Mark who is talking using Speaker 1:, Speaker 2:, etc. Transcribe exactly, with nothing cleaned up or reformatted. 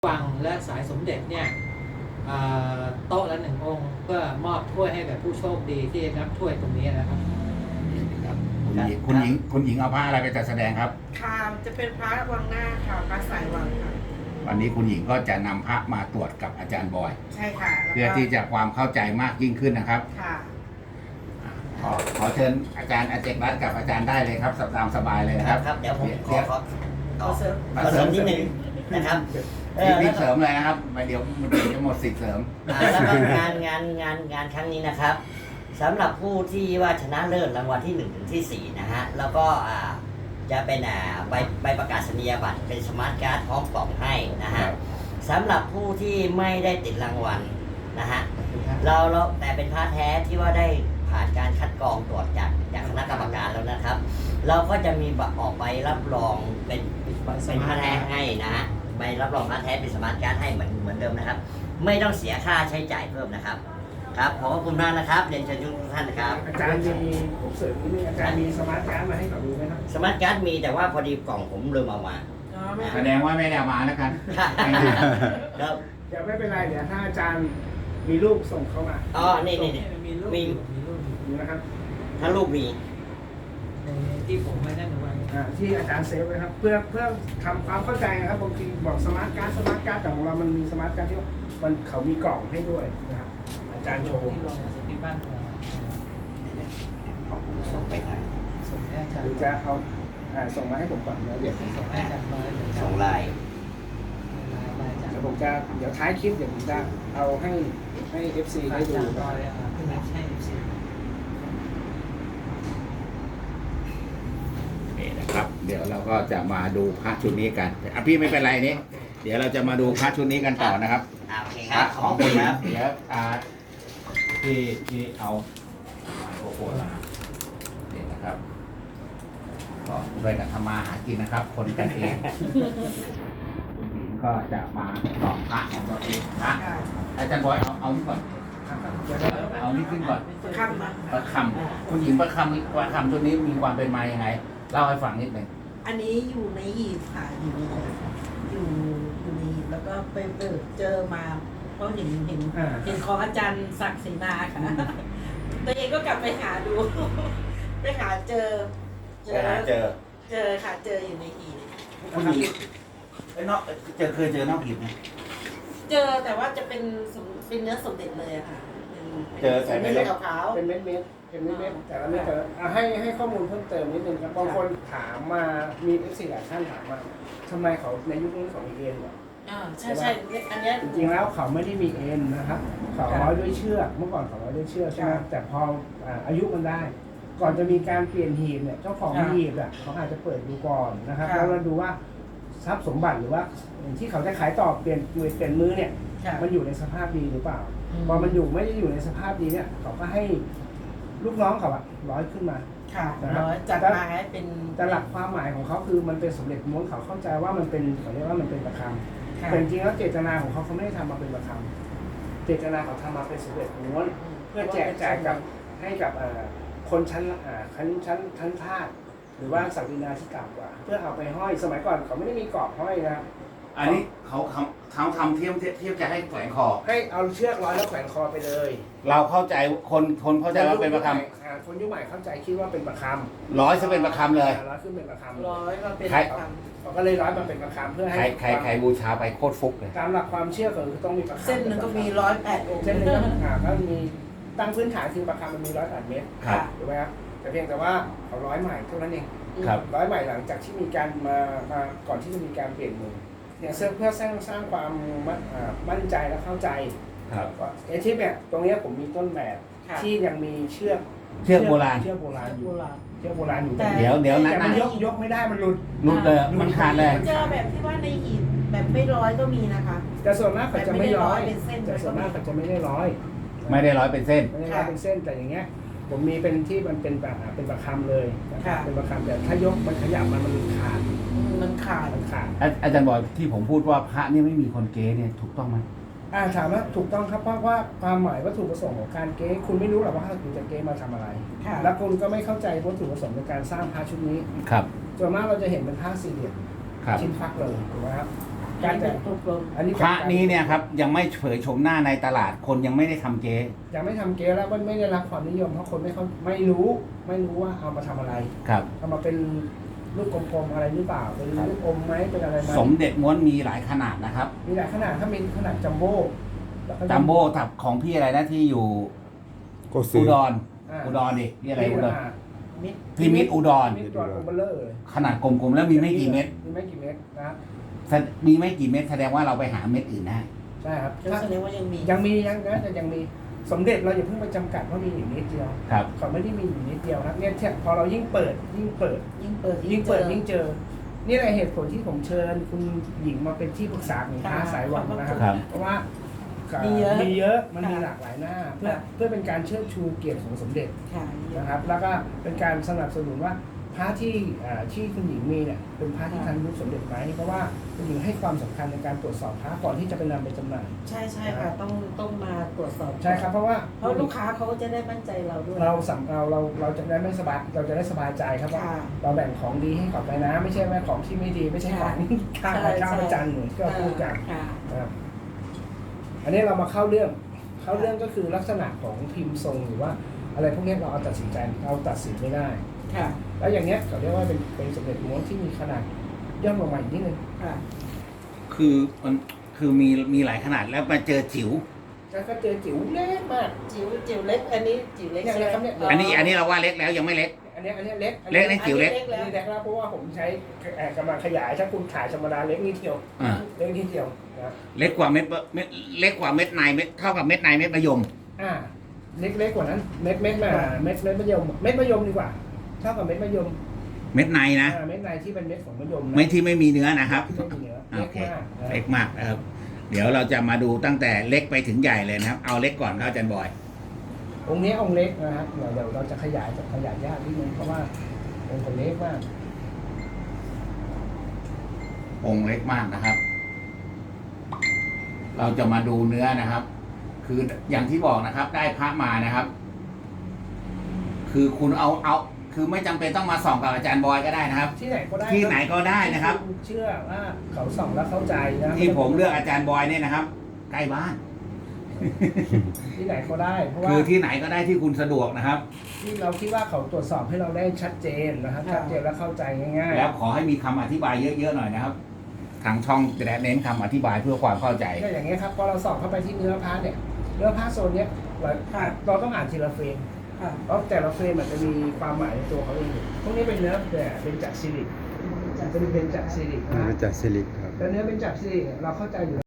Speaker 1: วังและสายสมเด็จเนี่ยโต๊ะละหนึ่งองค์เพื่อมอบถ้วยให้กับผู้โชคดีที่รับถ้วยตรงนี้นะครับ
Speaker 2: ครับคุณหญิงคุณหญิงคุณหญิงเอาผ้าอะไรไปจัดแสดงครับ
Speaker 3: ค่ะจะเป็นพระวังหน้าค่ะพระสายวังค่ะ
Speaker 2: วันนี้คุณหญิงก็จะนำพระมาตรวจกับอาจารย์บอย
Speaker 3: ใช่ค่ะ
Speaker 2: เพื่อที่จะความเข้าใจมากยิ่งขึ้นนะครับ
Speaker 3: ค่ะ
Speaker 2: ขอขอเชิญอาจารย์อาเจกรัตน์กับอาจารย์ได้เลยครับตามสบายเลยนะครับ
Speaker 4: ครับเดี๋ยวผมขอขอ
Speaker 3: ขอเสริม
Speaker 4: ขอเสริมนิดนึงนะครับ
Speaker 2: รีบเสริมเลยนะครับเดี๋ยวมันจะหมดสิทธิ์เสริม
Speaker 4: แล้วก็งานงานงานงานครั้งนี้นะครับสำหรับผู้ที่ว่าชนะเลิศรางวัลที่หนึ่งถึงที่สี่นะฮะแล้วก็จะเป็นใบใบประกาศนียบัตรเป็นสมาร์ทการ์ดพร้อมกล่องให้นะฮะสำหรับผู้ที่ไม่ได้ติดรางวัลนะฮะเราเราแต่เป็นพระแท้ที่ว่าได้ผ่านการคัดกรองตรวจจากจากคณะกรรมการแล้วนะครับเราก็จะมีออกใบรับรองเป็นเป็นพระแท้ให้นะฮะใบรับรองพระแท้เป็นสมาร์ทการ์ดให้เหมือนเหมือนเดิมนะครับไม่ต้องเสียค่าใช้จ่ายเพิ่มนะครับครับขอบคุณมากนะครับเรียนเชิญทุกท่านนะครับ
Speaker 5: อาจารย์มีผมเสริมนิดนึงอาจารย์มีสมาร์ทการ์ดมาให้เขาดูไหมครับ
Speaker 4: สมาร์ทการ์ดมีแต่ว่าพอดีกล่องผมลืมเอามา
Speaker 2: แสดงว่าไม่ได้เอามาแล้วกัน
Speaker 4: ครับ
Speaker 5: เดี๋ยวไม่เป็นไรเดี๋ยวถ้าอาจารย์มีรูปส่งเข้ามา
Speaker 4: อ๋อนี่นี่
Speaker 1: มีรูป
Speaker 5: มีรูปนะครับ
Speaker 4: ถ้ารูปมี
Speaker 1: ที่ผมไม่ได้ไว้
Speaker 5: ที่อาจารย์เซฟไว้ครับเพื่อเพื่อทำความเข้าใจนะครับบางทีบอกสมาร์ทการ์ดสมาร์ทการ์ดแต่ของเรามันมีสมาร์ทการ์ดที่มันเขามีกล่องให้ด้วยนะครับอาจารย์โชว์
Speaker 1: ที่ลงที่บ้าน
Speaker 4: ผมส่งไปให้
Speaker 1: ส่งให้อาจารย์
Speaker 5: หรือจะเอาส่งมาให้ผมก่อนแล้วเดี๋ยว
Speaker 1: ส่งให้อาจารย์มา
Speaker 4: ส่งไลน์
Speaker 5: เดี๋ยวผมจะเดี๋ยวท้ายคลิปเดี๋ยวผมจะเอาให้ให้ เอฟ ซี ได้ดู
Speaker 2: ครับเดี๋ยวเราก็จะมาดูพระชุดนี้กันอ่ะพี่ไม่เป็นไรนี่เดี๋ยวเราจะมาดูพระชุดนี้กันต่อนะครับ
Speaker 4: โอเคครับขอบคุณครับ
Speaker 2: เดี๋ยวอ่าที่ที่เอาโอ้โหมาเนี่ยนะครับก็ด้วยกันทำมาหากินนะครับ คนกันเองคุณหญิงก็จะมาลองพระของตัวเองพระอาจารย์บอยเอาเอานี่ก่อนเอานี่ขึ้นก่อน
Speaker 3: คำ
Speaker 2: ประคำคุณหญิงประคำประคำตัวนี้มีความเป็นมายังไงเล่าให้ฟังนิดหนึ่ง
Speaker 3: อันนี้อยู่ในหีบค่ะอยู่อยู่อยู่ในหีบแล้วก็ไปเปิดเจอมาเพราะเห็นเห็นเห็นของอาจารย์ศักดิ์ศรีนาค่ะตัวเองก็กลับไปหาดูไปหาเจอ
Speaker 2: เจอเจอ
Speaker 3: เจอค่ะเจออยู่ในหีบ
Speaker 2: คุณหญิงไอ้นอกเจอเคยเจอนอกหีบไหม
Speaker 3: เจอแต่ว่าจะเป็นเป็นเนื้อสมเด็จเลยค่ะ
Speaker 2: เจอใส่เม็ด
Speaker 3: ขาว
Speaker 5: เป็นเม็ดเม็ดเป็นเม็ดเม็ดแต่ละเม็ดแต่ให้ให้ข้อมูลเพิ่มเติมนิดนึงครับบางคนถามมามีเอฟซีหลายท่านถามมาทำไมเขาในยุคนี้เขามีเอ็นเหรอ
Speaker 3: อ่าใช่ใช่อันนี้
Speaker 5: จริงๆแล้วเขาไม่ได้มีเอ็นนะครับเขาร้อยด้วยเชือกเมื่อก่อนเขาร้อยด้วยเชือกใช่ไหมแต่พออายุมันได้ ก่อนจะมีการเปลี่ยนหีบเนี่ยเจ้าของหีบอ่ะเขาอาจจะเปิดดูก่อนนะครับแล้วเราดูว่าทรัพย์สมบัติหรือว่าที่เขาจะขายต่อเปลี่ยนมือเปลี่ยนมือเนี่ยมันอยู่ในสภาพดีหรือเปล่าพอมันอยู่ไม่ได้อยู่ในสภาพดีเนี่ยเขาก็ให้ลูกน้องเขาอะร้อยขึ้นมา
Speaker 3: ค่ะร้อยจัดมาให้เป็น
Speaker 5: แต่หลักความหมายของเขาคือมันเป็นสมเด็จม้วนเขาเข้าใจว่ามันเป็นเขาเรียกว่ามันเป็นประคำแต่จริงๆแล้วเจตนาของเขาเขาไม่ได้ทำมาเป็นประคำเจตนาเขาทำมาเป็นสมเด็จม้วนเพื่อแจกจ่ายกับให้กับคนชั้นชั้นชั้นชั้นทาสหรือว่าศักดินาที่ต่ำกว่าเพื่อเอาไปห้อยสมัยก่อนเขาไม่ได้มีกรอบห้อยนะ
Speaker 2: อันนี้เขาเขาทำเทียมเทียมจะให้แขวนคอ
Speaker 5: ให้เอาเชือกร้อยแล้วแขวนคอไปเลย
Speaker 2: เราเข้าใจคนคนเข้าใจว่าเป็นประค
Speaker 5: ำคนยุคใหม่เข้าใจคิดว่าเป็นประค
Speaker 2: ำร้อยจะเป็นประคำเลย
Speaker 5: ร้อยขึ้นเป็นประคำ
Speaker 3: ร้อยมาเป็นประคำ
Speaker 5: เขาก็เลยร้อยมาเป็นประคำเพื่อให้
Speaker 2: ใครใครบูชาไปโคตรฟุกเลย
Speaker 5: ตามหลักความเชื่อคือต้องมีประคำ
Speaker 3: เส้นนึงก็มีร้อยแปดองค์
Speaker 5: เส้นนึงก็มีตั้งพื้นฐานคือประคำมันมีร้อยแปดเมตรถูกไหมครับแต่เพียงแต่ว่าเขาร้อยใหม่เท่านั้นเองร้อยใหม่หลังจากที่มีการมามาก่อนที่จะมีการเปลี่ยนมือเนี่ยเพื่อสร้างสร้างความมั่นใจและเข้าใจ
Speaker 2: ครับ
Speaker 5: ไอ้ที่เนี่ยตรงนี้ผมมีต้นแบบที่ยังมีเชือก
Speaker 2: เชือกโบราณ
Speaker 5: เชือกโบราณอยู่เชือกโบราณอยู่
Speaker 2: เดี๋ยวเดี๋ยวนั้น
Speaker 5: มันยกยกไม่ได้มันหลุด
Speaker 2: หลุดเลยมันขาดเลย
Speaker 3: เจอแบบที่ว่าในหีบแบบไม่ร้อยก็มีนะคะ
Speaker 5: แต่ส่วนมากเขาจะไม่ร้อยแต่ส่วนมากเขาจะไม่ได้ร้อย
Speaker 2: ไม่ได้ร้อยเป็นเส้น
Speaker 5: ไม่ได้ร้อยเป็นเส้นแต่อย่างเงี้ยผมมีเป็นที่มันเป็นแบบเป็นประคำเลยเป็นประคำแต่ถ้ายกมันขยับมันมันขาด
Speaker 3: มันขาด
Speaker 5: มันขาด
Speaker 2: อาจารย์บอกที่ผมพูดว่าพระนี่ไม่มีคนเก๊เนี่ยถูกต้องไหม
Speaker 5: อ่าถามว่าถูกต้องครับเพราะว่าความหมายวัตถุประสงค์ของการเก๊คุณไม่รู้หรอกว่าคุณจะเก๊มาทำอะไรแล้วคุณก็ไม่เข้าใจวัตถุประสงค์ในการสร้างพระชุดนี้
Speaker 2: ครับ
Speaker 5: ส่วนมากเราจะเห็นเป็นผ้าสี่เหลี่ยมชิ้นฟักเลยถูกไหมครับการแต่
Speaker 3: ถูกลง
Speaker 5: อันนี้
Speaker 2: พระนี้เนี่ยครับยังไม่เผยโฉมหน้าในตลาดคนยังไม่ได้ทำเก๊
Speaker 5: ยังไม่ทำเก๊แล้วมันไม่ได้รับความนิยมเพราะคนไม่เขาไม่รู้ไม่รู้ว่าเอามาทำอะไร
Speaker 2: ครับ
Speaker 5: เอามาเป็นลูกกลมๆอะไรหรือเปล่าเป็นลูกอมไหมเป็นอะไรไหม
Speaker 2: สมเด็จม้วนมีหลายขนาดนะครับ
Speaker 5: มีหลายขนาดถ้ามีขนาดจัมโบ้แล้วก็
Speaker 2: จัมโบ้กับของพี่อะไรนะที่อยู่
Speaker 6: ก็ซื้
Speaker 2: อุ
Speaker 6: อ
Speaker 2: ดร
Speaker 5: อ่า
Speaker 2: อุดรดิพี่อะไรอุดร
Speaker 3: มิด
Speaker 2: พี่มิตรอุดร
Speaker 5: มีตัวกลมเบลเลอร์เลย
Speaker 2: ขนาดกลมๆแล้วมีไม่กี่เม็ด
Speaker 5: มีไม่กี่เม็ดนะ
Speaker 2: แสดมีไม่กี่เม็ดแสดงว่าเราไปหาเม็ดอื่นได้
Speaker 5: ใช่ครับ
Speaker 3: ก็แสดงว่ายังมี
Speaker 5: ยังมียังนะแต่ยังมีสมเด็จเราอย่าเพิ่งไปจำกัดว่ามีอยู่นิดเดียว
Speaker 2: ครับ
Speaker 5: เขาไม่ได้มีอยู่นิดเดียวครับเนี่ยพอเรายิ่งเปิดยิ่งเปิด
Speaker 3: ยิ่งเปิด
Speaker 5: ยิ่งเปิดยิ่งเจอ นี่แหละเหตุผลที่ผมเชิญคุณหญิงมาเป็นที่ปรึกษาของค้าสายหวังนะครับ
Speaker 2: ครับ
Speaker 5: เพราะว่า
Speaker 3: มีเยอะ
Speaker 5: มีเยอะมันมี
Speaker 3: ค่ะ
Speaker 5: หลากหลายหน้า เพื่อ
Speaker 3: ค่ะ
Speaker 5: เพื่อเป็นการเชิดชูเกียรติของสมเด็จ
Speaker 3: ค่ะ
Speaker 5: นะครับ แล้วก็เป็นการสนับสนุนว่าพระที่อ่าที่คุณหญิงมีเนี่ยเป็นพระที่ทันยุคสมเด็จไหมเพราะว่าคุณหญิงให้ความสำคัญในการตรวจสอบพระก่อนที่จะไปนำไปจำหน่าย
Speaker 3: ใช่ใช่ค่ะต้องต้องมาตรวจสอบ
Speaker 5: ใช่ครับเพราะว่า
Speaker 3: เพราะลูกค้าเขาจะได้มั่นใจเราด้วย
Speaker 5: เราสำเราเราเราจะได้ไม่สบายเราจะได้สบายใจครับว่า
Speaker 3: ค่ะ
Speaker 5: เราแบ่งของดีให้เขาไปนะ ไม่ใช่ว่าของที่ไม่ดีไม่ใช่ของข้าง
Speaker 3: ใช่
Speaker 5: ข้าง
Speaker 3: ใช่
Speaker 5: ประจันเหมือนที่เราพูดกัน
Speaker 3: ค่ะ
Speaker 5: นะครับอันนี้เรามาเข้าเรื่องเข้าเรื่องก็คือลักษณะของพิมพ์ทรงหรือว่า อะไรพวกนี้เราเอาตัดสินใจเราตัดสินไม่ได้
Speaker 3: ค่ะ
Speaker 5: แล้วอย่างเนี้ยเขาเรียกว่าเป็นเป็นสมเด็จม้วนที่มีขนาดย่อมลงมาอีกนิดนึง
Speaker 3: ค่ะ
Speaker 2: คือมันคือมีมีหลายขนาดแล้วมาเจอจิ๋ว
Speaker 5: แล้วก็เจอจิ๋วเล็กมาก
Speaker 3: จิ๋วจิ๋วเล็ก อันนี้จิ๋วเล็ก
Speaker 5: เนี่ย
Speaker 3: ใช่ไหม
Speaker 5: ครับเนี่ย
Speaker 2: อันนี้อันนี้เราว่าเล็กแล้วยังไม่เล็ก
Speaker 5: อันเนี้ยอันเนี้ยเล็ก
Speaker 2: เล็กนี่จิ๋วเล็ก
Speaker 5: อันนี้เล็กแล้วเพราะว่าผมใช้เอ่อกำลังขยายถ้าคุณถ่ายธรรมดาเล็กนิดเดียว
Speaker 2: อ่า
Speaker 5: เล็กนิดเดียวนะ
Speaker 2: เล็กกว่าเม็ดเม็ดเล็กกว่าเม็ดในเม็ดเท่ากับเม็ดในเม็ดมะยม
Speaker 5: อ่าเล็กเล็กกว่านั้นเม็ดเม็ดมาเม็ดเม็ดมะยมเม็ดมะยมดีกว่าเท่ากับเม็ดมะยม
Speaker 2: เม็ดในนะ
Speaker 5: อ่าเม็ดในที่เป็นเม็ดของมะยมนะ
Speaker 2: ไม่ที่ไม่มีเนื้อนะครับ
Speaker 5: ที่ไม่มีเนื้อ
Speaker 2: โอ
Speaker 5: เล็ก
Speaker 2: เค
Speaker 5: มากนะ
Speaker 2: เล็กมากนะครับ เดี๋ยวเราจะมาดูตั้งแต่เล็กไปถึงใหญ่เลยนะครับ เอาเล็กก่อนครับอาจารย์บอย
Speaker 5: องค์นี้องค์เล็กนะครับเดี๋ยวเดี๋ยวเราจะขยายจะขยายยากนิดนึงเพราะว่าองค์เขาเล็กมาก
Speaker 2: องค์เล็กมากนะครับ เราจะมาดูเนื้อนะครับ คืออย่างที่บอกนะครับ ได้พระมานะครับ คือคุณเอาเอา คือไม่จำเป็นต้องมาส่องกับอาจารย์บอยก็ได้นะครับ
Speaker 5: ที่ไหนก็ได้
Speaker 2: ที่ไหนก็ได้นะครับ
Speaker 5: ที่ณเชื่อว่าเขาส่องแล้วเข้าใจนะ
Speaker 2: ที่ผมเลือกอาจารย์บอยเนี่ยนะครับ ใกล้บ้าน
Speaker 5: ที่ไหนก็ได้เพราะว่า
Speaker 2: คือที่ไหนก็ได้ที่คุณสะดวกนะครับ
Speaker 5: ที่เราคิดว่าเขาตรวจสอบให้เราได้ชัดเจนนะครับ
Speaker 3: ค่ะ
Speaker 5: ชัดเจนและเข้าใจง่ายๆ
Speaker 2: แล้วขอให้มีคำอธิบายเยอะๆหน่อยนะครับ ทางช่องจะเน้นคำอธิบายเพื่อความเข้าใจ
Speaker 5: ก็อย่างเงี้ยครับพอเราส่องเข้าไปที่เนื้อผ้าเนี่ยเนื้อผ้าโซนเนี้ยเรา
Speaker 3: ค่ะ
Speaker 5: เราต้องอ่านทีละเฟรม
Speaker 3: ค่ะ
Speaker 5: เพราะแต่ละเฟรมมันจะมีความหมายในตัวเขาเองอยู่พวกนี้เป็นเนื้อแต่เป็นจากซิลิกเป็นเป็นจากซิลิกนะ
Speaker 6: มาจากซิลิกครับ
Speaker 5: แต่เนื้อเป็นจากซิลิกเนี่ยเราเข้าใจอยู่